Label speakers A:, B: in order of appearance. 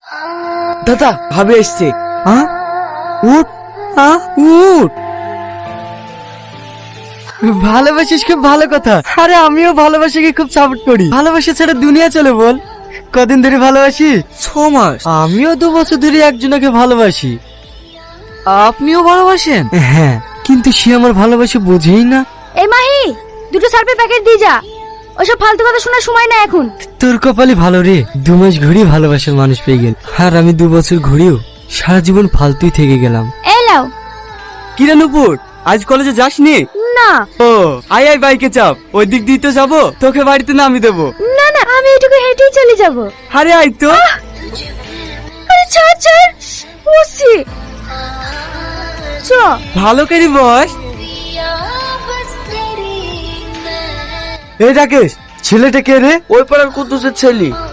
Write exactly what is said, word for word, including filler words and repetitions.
A: দাদা ভাবে এসছে।
B: হ্যাঁ উঠ, হ্যাঁ উঠ। ভালোবাসিস খুব ভালো কথা। আরে আমিও ভালোবাসাকে খুব সাপোর্ট করি। ভালোবাসা ছাড়া দুনিয়া চলে বল। কদিন ধরে ভালোবাসি?
A: ছ মাস।
B: আমিও দু বছর ধরে একজনকে ভালোবাসি।
A: আপনিও ভালোবাসেন?
B: হ্যাঁ, কিন্তু সে আমার ভালোবাসা বুঝেই না।
C: এই মাহি, দুটো সার্ফের প্যাকেট দিয়ে যা। ওসব ফালতু কথা শোনার সময় না এখন।
B: তোর কপালে ভালো রে, দু মাস ঘুরি ভালোবাসার মানুষ পেয়ে গেল। আর আমি দু বছর ঘুরিও সারা জীবন ফালতুই থেকে গেলাম।
C: এই লাও।
B: কিরে নুপুর, আজ কলেজে যাসনি?
C: না।
B: ও আয় আয়, বাইকে চাপ, ওই দিক দিয়ে তো যাবো, তোকে বাড়িতে নামিয়ে দেবো।
C: না না, আমি এটুকু হেঁটেই চলে যাব।
B: আরে আয় তো।
C: আরে ছাড় ছাড়, বসছি। চ।
B: ভালো করে বস। এই রাকেশ, ছেলেটা কে রে?
A: ওই পাড়ার কুদ্দুসের ছেলে।